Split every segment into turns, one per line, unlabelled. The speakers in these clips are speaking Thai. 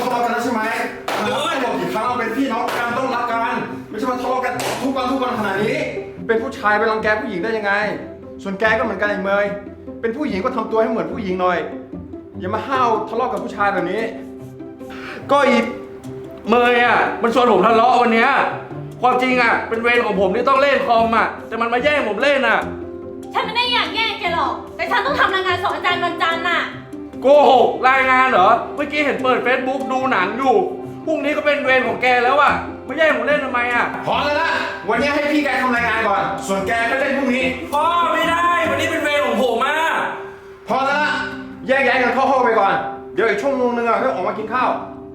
ะเลาะกันแล้วใช่ไหมบอกกี่ครั้งเราเป็นพี่น้องกันต้องรักกันไม่ใช่มาทะเลาะกันทุกวันขนาดนี้เป็นผู้ชายไปรังแกผู้หญิงได้ยังไงส่วนแกก็เหมือนกันไอ้เมยเป็นผู้หญิงก็ทำตัวให้เหมือนผู้หญิงหน่อยอย่ามาห้าวทะเลาะกับผู้ชายแบบนี้
ก็อีเมยอ่ะมันชวนผมทะเลาะวันเนี้ยความจริงอ่ะเป็นเวรของผมที่ต้องเล่นคอมอ่ะแต่มันมาแย่งผมเล่นอ่ะ
ฉันไม่ได้อยากแย่งแกหรอกแต่ฉันต้องทำรายงานสอนอาจารย์วันจันทร์น่ะ
โกหกรายงานเหรอเมื่อกี้เห็นเปิด Facebook ดูหนังอยู่พรุ่งนี้ก็เป็นเวรของแกแล้วอ่ะมาแย่งผมเล่นทำไมอ่ะ
พอแล้วนะวันนี้ให้พี่แกทำรายงานก่อนส่วนแกก็เล่นพรุ่งนี้
พ่อไม่ได้วันนี้เป็นเวรของผมอ่ะ
พอแล้วนะแยกย้ายกันเข้าห้องไปก่อนเดี๋ยวอีกชั่วโมงนึงอ่ะก็ออกมากินข้าว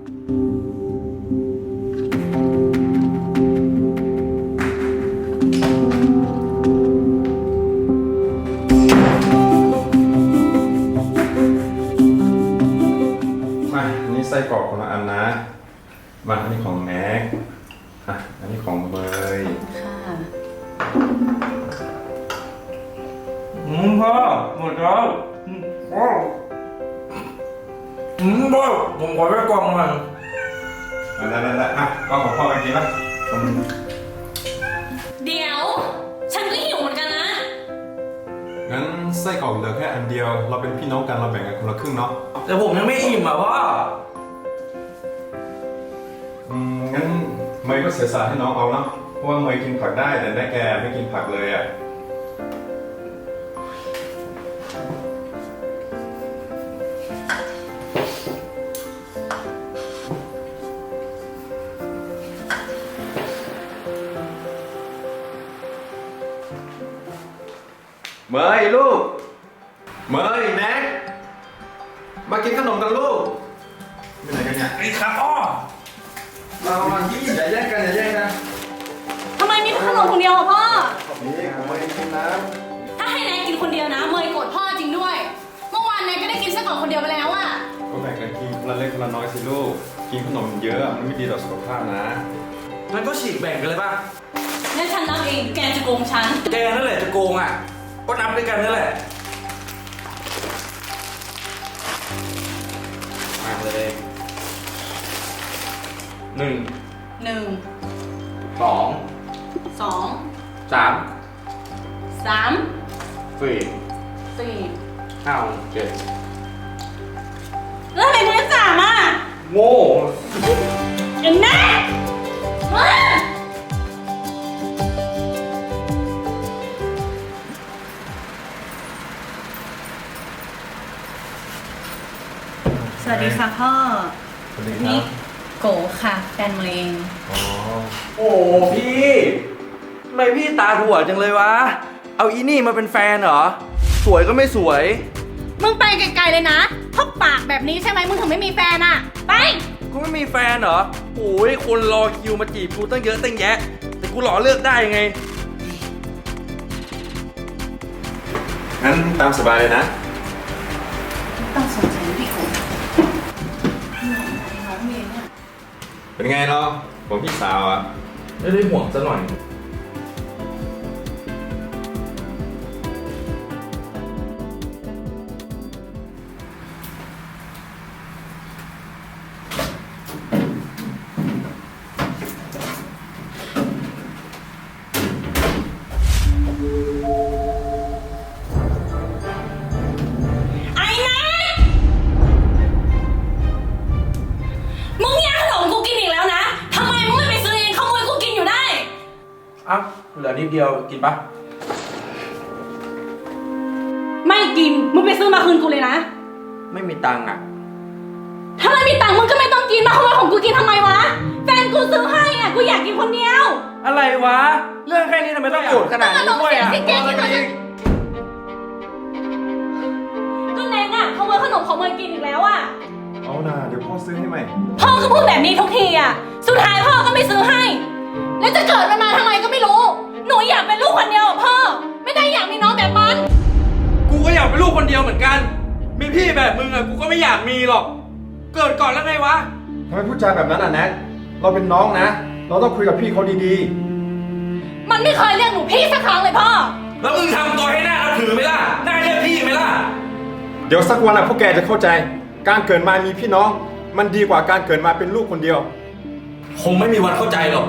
ไส้กรอกคนละอันนะมาอันนี้ของแม็กอันนี้ของเบย
ค่ะ
พ่อหมดแล้วพ่อพ่อผมขอไปกล่องหน่อย
ได้ก็ของพ่อกันกินละ
เดี๋ยวฉันก็หิวเหมือนกันนะ
งั้นไส้กรอกเหลือแค่อันเดียวเราเป็นพี่น้องกันเราแบ่งกันคนละครึ่งเนาะ
แต่ผมยังไม่อิ่มอ่ะพ่อ
งั้นเมย์ก็เสียสละให้น้องเอาเนาะเพราะว่าเมย์กินผักได้แต่แม่แกไม่กินผักเลยอ่ะเมย์ลูกเมย์แน็กมากินขนมกันลูกเป็นไหนกันเนี่ย
ไอ้ครับอ้อ
มาที่อย่าแย่งกัน
ทำไมมีขนมคนเดียวอะพ่อ
นี่ผมไม่ได้กินนะ
ถ้าให้นายกินคนเดียวนะเมย์โกรธพ่อจริงด้วยเมื่อวานนายก็ได้กินไส้กรอกคนเดียวไปแล้วอะ
ก็แบ่งกันกินคนละเล็กคนละน้อยสิลูกกินขนมเยอะมันไม่ดีต่อสุขภาพนะ
งั้นก็ฉีกแบ่งกันเลยป่ะ
งั้นฉันนับเองแกจะโกงฉัน
แกนั่นแหละจะโกงอ่ะก็นับด้วยกันนั่นแหละมาเลยหนึ่งสองสามสี่ห้าเจ็ด
แล้วทำไมมึงได้3อ่ะ
โง่
เอ็นแน่สวัสดีค่ะพ่อนี่โกค่ะแฟนเมย์เอง
โอ้พี่ทำไมพี่ตาถั่วจังเลยวะเอาอีนี่มาเป็นแฟนเหรอสวยก็ไม่สวย
มึงไปไกลๆเลยนะเพราะปากแบบนี้ใช่ไหมมึงถึงไม่มีแฟนอ่ะไป
กูไม่มีแฟนเหรอโอ้ยคนรอคิวมาจีบกูตั้งเยอะตั้งแยะแต่กูหล่อเลือกได้ไง
งั้นตามสบายเลยนะ
ต้องสนใจพี่โก
เป็นไงเนาะผมพี่สาวอ่ะ
ไม่ได้ห่วงซะหน่อยอ้าวเหลือนิดเดียวกินปะ
ไม่กินมึงไปซื้อมาคืนกูเลยนะ
ไม่มีตังค์อ่ะ
ถ้าไม่มีตังค์มึงก็ไม่ต้องกินมาขโมยของกูกินทำไมวะแฟนกูซื้อให้อ่ะกูอยากกินคนเดียว
อะไรวะเรื่องแค่นี้ทำไมต้องโกรธขนาดนี้ด้วยอ่ะ
ก็แนงอ่ะขโมยขนมของเมย์กินอีกแล้วอ่ะ
เอาน่ะเดี๋ยวพ่อซื้อให้ใหม่
พ่อก็พูดแบบนี้ทุกทีอ่ะสุดท้ายพ่อก็ไม่ซื้อให้แล้วจะเกิดมันมาทำไมก็ไม่รู้หนูอยากเป็นลูกคนเดียวพ่อไม่ได้อยากมีน้องแบบมัน
กูก็อยากเป็นลูกคนเดียวเหมือนกันมีพี่แบบมึงอะกูก็ไม่อยากมีหรอกเกิดก่อนแล้วไงวะ
ทำไมพูดจาแบบนั้นอ่ะแน็กเราเป็นน้องนะเราต้องคุยกับพี่เขาดี
ๆมันไม่เคยเรียกหนูพี่สักครั้งเลยพ่อ
แล้วมึงทำตัวให้หน้าถือไหมล่ะหน้าเรียกพี่ไหมล่ะ
เดี๋ยวสักวันอ่ะพวกแกจะเข้าใจการเกิดมามีพี่น้องมันดีกว่าการเกิดมาเป็นลูกคนเดียว
คงไม่มีวันเข้าใจหรอก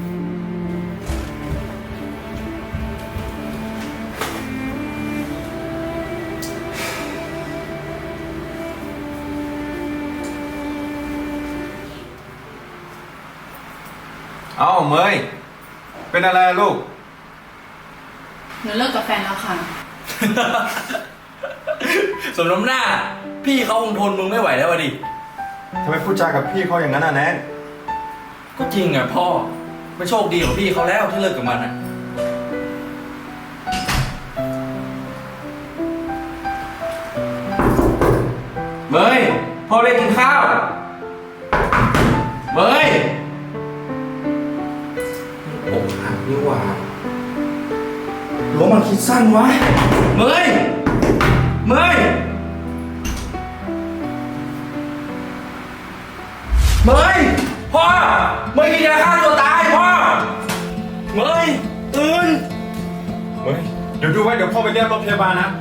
เอ้าเมยเป็นอะไรลูก
หนูเลิกกับแฟนแล้วค่ะ
สมน้ำหน้า พี่เขาคงทนมึงไม่ไหวแล้วอะดิ
ทำไมพูดจากับพี่เขาอย่างนั้นแนน
ก็จริงอ่ะพ่อไม่โชคดีของพี่เขาแล้วที่เลิกกับมันอ่ะ เมยพ่อได้กินข้าว เมยอกหักนี่หว่าหรือว่ามันคิดสั้นวะ เมยเมยเมยพ่อเมยกินยาฆ่าตัวตายพ่อเมยตื่น
เฮ้ยเดี๋ยวดูไว้เดี๋ยวพ่อไปเรียกรถพยาบาลนะ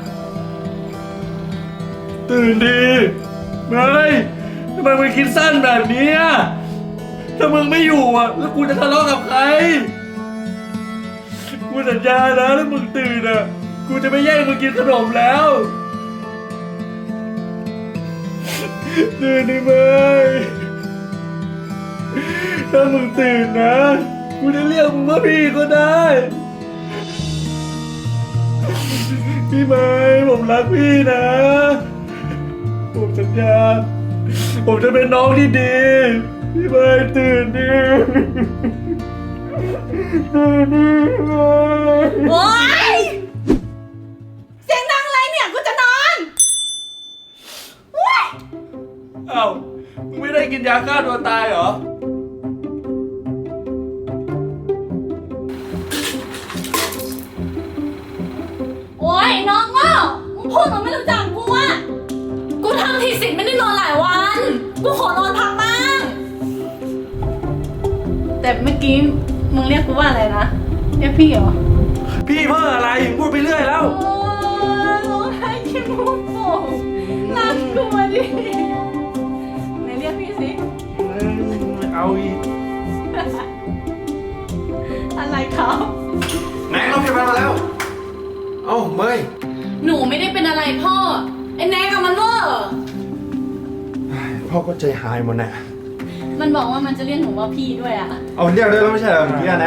ตื่นดีเมยทำไมมึงคิดสั้นแบบนี้อะถ้ามึงไม่อยู่อ่ะแล้วกูจะทะเลาะกับใครกูสัญญานะถ้ามึงตื่นอ่ะกูจะไม่แย่งมึงกินขนมแล้วตื่นดิเมยถ้ามึงตื่นนะกูจะเรียกมึงว่าพี่ก็ได้พี่เมยผมรักพี่นะผมสัญญาผมจะเป็นน้องที่ดีพี่เมยตื่นดิตื่นดิพี่เมย
โอ๊ย เสียงดังอะไรเนี่ย กูจะนอนโอ๊ย
เอ้ามึงไม่ได้กินยาฆ่าตัวตายเหรอ
โอ๊ยน้องโง่มึงพูดเหมันไม่รู้จักกูอะกูทำทีสิทธิ์ไม่ได้นอนหลายวัน กูขอนอนพักบ้าง แต่เมื่อกี้มึงเรียกกูว่าอะไรนะ เรียกพี่เหรอ
พี่เพ้ออะไรพูดไปเรื่อยแล้ว
โอ๊ยร้องไห้ขี้มูกโป่งรักกูมาดิไหนเรียกพี่สิ
เอาอีก
อะไรครับ
ไหนรถพยาบาลมาแล้ว เอ้าเมย
หนูไม่ได้เป็นอะไรพ่อ ไอ้แนกกับมันเวอร์
พ่อก็ใจหายหมดน่ะ
มันบอกว่ามันจะเรียกหนูว่าพี่ด้วยอะ
เอาเรียกได้แล้วไม่ใช่เหรอเมื่อกี้นะ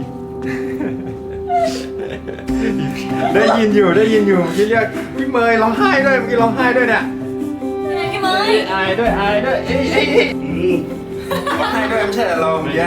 ได้ยินอยู่เมื่อกี้เรียกพี่เมย์ร้องไห้ด้วยเมื่อกี้ร้องไห้ด้วยเนี่ย
ไงพี่เมย์
อายด้วยร้องไห้ด้วยไม่ใช่เหรอเราเมื่อกี้